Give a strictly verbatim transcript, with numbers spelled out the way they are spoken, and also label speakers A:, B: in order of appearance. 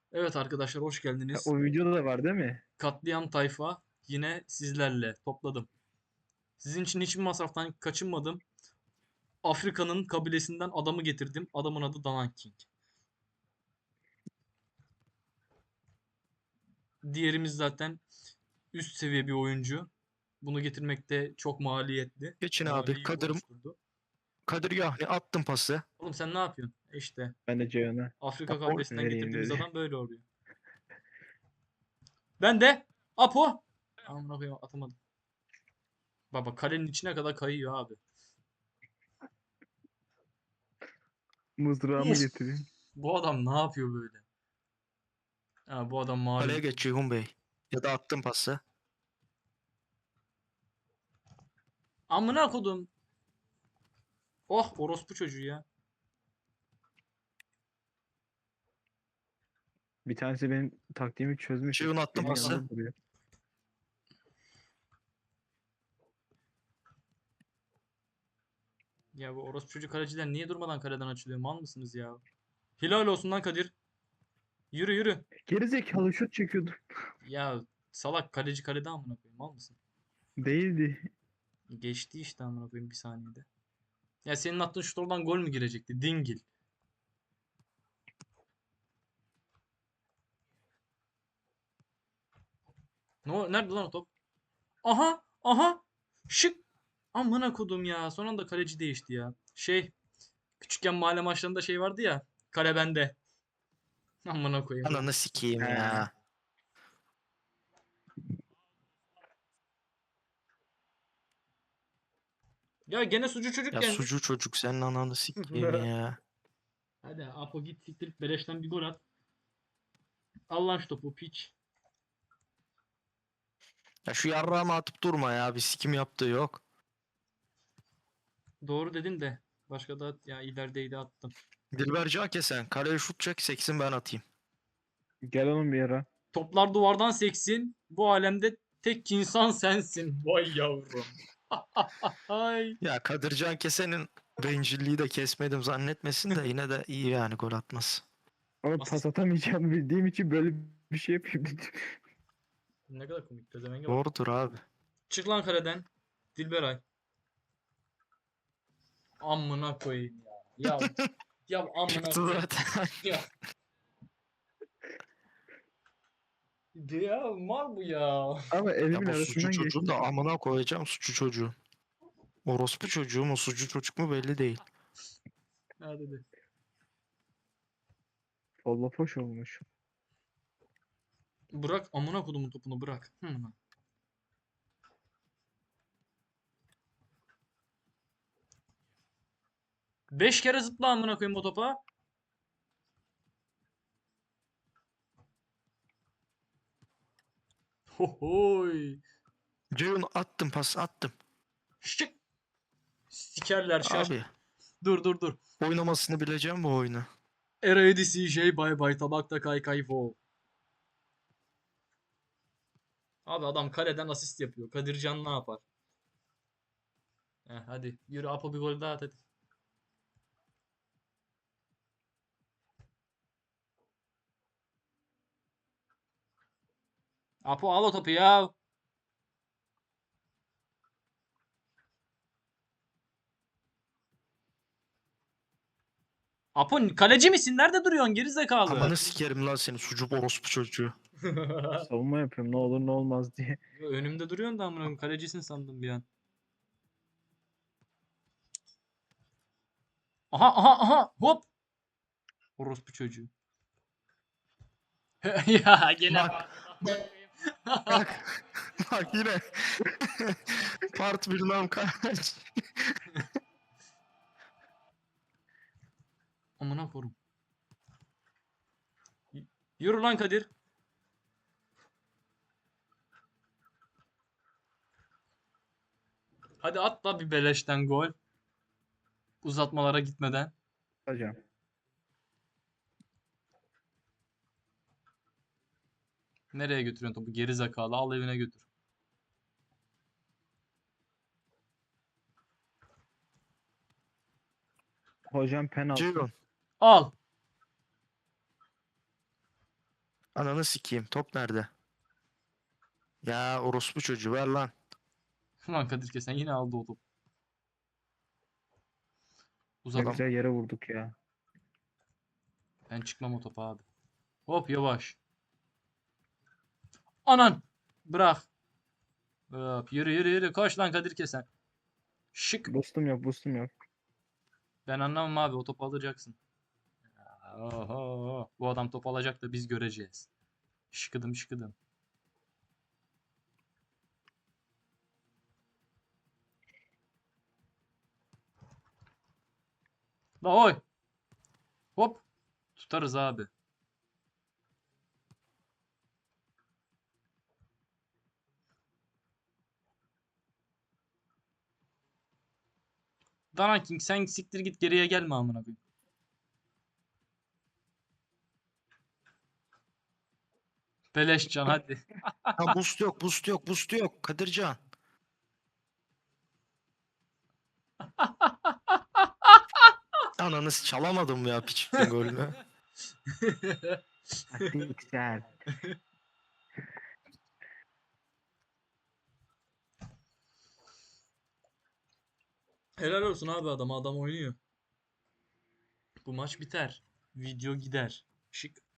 A: Evet arkadaşlar hoş
B: Ha,
A: geldiniz.
B: o videoda da var değil mi?
A: Katliam Tayfa yine sizlerle topladım. Sizin için hiçbir masraftan kaçınmadım. Afrika'nın kabilesinden adamı getirdim. Adamın adı Danan King. Diğerimiz zaten üst seviye bir oyuncu. Bunu getirmek de çok maliyetli.
C: Geçin abi.
A: Mali yük
C: Kadir,
A: oluşturdu.
C: Kadir Yahni attım pası.
A: Oğlum sen ne yapıyorsun? E İşte
B: Ben de Ceyhun'a
A: Afrika
C: Apo
A: kabilesinden
B: vereyim
A: getirdiğimiz
B: dedi.
A: adam böyle oluyor. Ben de Apo. Amına koyayım atamadım. Baba kalenin içine kadar kayıyor abi.
B: Mızrağımı
A: Uf.
B: getireyim.
A: Bu adam ne yapıyor böyle? Ha, bu adam
C: Kaleye
A: malum.
C: geç Ceyhun Bey. Ya da attım pası.
A: Amına kodum. Oh orospu çocuğu ya.
B: Bir tanesi benim taktiğimi çözmüş.
C: Ceyhun attım
B: Benim
C: pası.
B: yanımda duruyor.
A: Ya bu orospu çocuk kaleciler niye durmadan kaleden açılıyor? Mal mısınız ya? Hilal olsun lan Kadir. Yürü yürü.
B: Gerizekalı şut çekiyordu.
A: Ya salak kaleci kalede amına koyayım. Mal mısın?
B: Değildi.
A: Geçti işte amına koyayım bir saniyede. Ya senin attığın şut oradan gol mü girecekti? Dingil. Ne o- nerede lan o top? Aha aha. Şık. Amına kodum ya. Son anda kaleci değişti ya. Şey küçükken mahalle maçlarında şey vardı ya. Kale bende. Amına koyayım.
C: Ananı sikeyim
B: He.
C: ya.
A: Ya gene sucu çocuk
C: Ya
A: gelmiş.
C: sucu çocuk senin ananı sikeyim ya.
A: Hadi Apo git siktirip beleşten bir gol at. Al lan şu topu piç.
C: Ya şu yarrağımı atıp durma ya. Bir sikim yaptığı yok.
A: Doğru dedin de. Başka da ya ilerideydi attım.
C: Dilberci Akesen. Kaleye şut çek seksin ben atayım.
B: Gel oğlum bir ara.
A: Toplar duvardan seksin. Bu alemde tek insan sensin. Vay yavrum. Ay.
C: Ya Kadircan Kesen'in bencilliği de kesmedim zannetmesin de yine de iyi yani gol atmaz.
B: Ama pas
A: Asist.
B: atamayacağımı bildiğim için böyle bir şey yapıyorum.
A: Ne kadar komik. Pezevenge bak.
C: Doğrudur abi.
A: Çık lan kaleden. Dilberay. Amına koyayım ya. Ya ya amına
C: Çıktı
A: koyayım.
C: zaten.
A: Ya. Ya mal bu ya.
B: Ama
C: Ya
B: elimin
C: bu suçu
B: arasından
C: çocuğun
B: geçti.
C: da amına koyacağım suçu çocuğu. Orospu çocuğu mu suçu çocuk mu belli değil.
A: Hadi hadi.
B: Folla foş olmuş.
A: Bırak amına kodumun topunu bırak. Hı. Beş kere zıpla amına koyayım o topa. Hohoy.
C: Ceyhun attım pas attım.
A: Şık. Sikerler şaş.
C: Abi
A: Dur dur dur.
C: oynamasını bileceğim bu oyunu.
A: Eraydi C J bay bay tabakta kay kay fo. Abi adam kaleden asist yapıyor. Kadircan ne yapar? Heh, hadi yürü Apo bir gol daha at hadi. Apo al o topu ya. Apo kaleci misin? Nerede duruyorsun geri zekalı?
C: Amanı sikerim lan seni sucuk orospu çocuğu.
B: Savunma yapıyorum ne olur ne olmaz diye.
A: Önümde duruyorsun da amına koyayım, kalecisin sandım bir an. Aha aha aha hop. Orospu çocuğu. Ya gene
C: Bak bak bak yine part bir nam kaç.
A: amına korum. Y- Yürü lan Kadir. Hadi at da bir beleşten gol. Uzatmalara gitmeden.
B: Hocam.
A: Nereye götürüyorsun topu? Geri zekalı. Al evine götür.
B: Hocam penaltı.
C: Ceyhun
A: Al.
C: Ananı sikeyim. Top nerede? Ya orospu çocuğu ver lan.
A: Ulan Kadir Kesen yine aldı o topu.
B: Ne
A: Uzat.
B: güzel yere vurduk ya.
A: Ben çıkmam o topa abi. Hop yavaş. Anan. Bırak. Hop, yürü yürü yürü. Koş lan Kadir Kesen. Şık.
B: Boostum yok, boostum yok.
A: Ben anlamam abi, o topu alacaksın. Oho. Bu adam top alacak da biz göreceğiz. Şıkıdım şıkıdım. La oy. Hop. Tutarız abi. Dana King sen siktir git, geriye gelme amına koyayım. Beleş can hadi.
C: Ha boost yok, boost yok, boost yok. Kadircan. Ananı s- çalamadım ya piçin golünü.
B: Taktiksel.
A: Helal olsun abi, adam adam oynuyor. Bu maç biter. Video gider. Şık.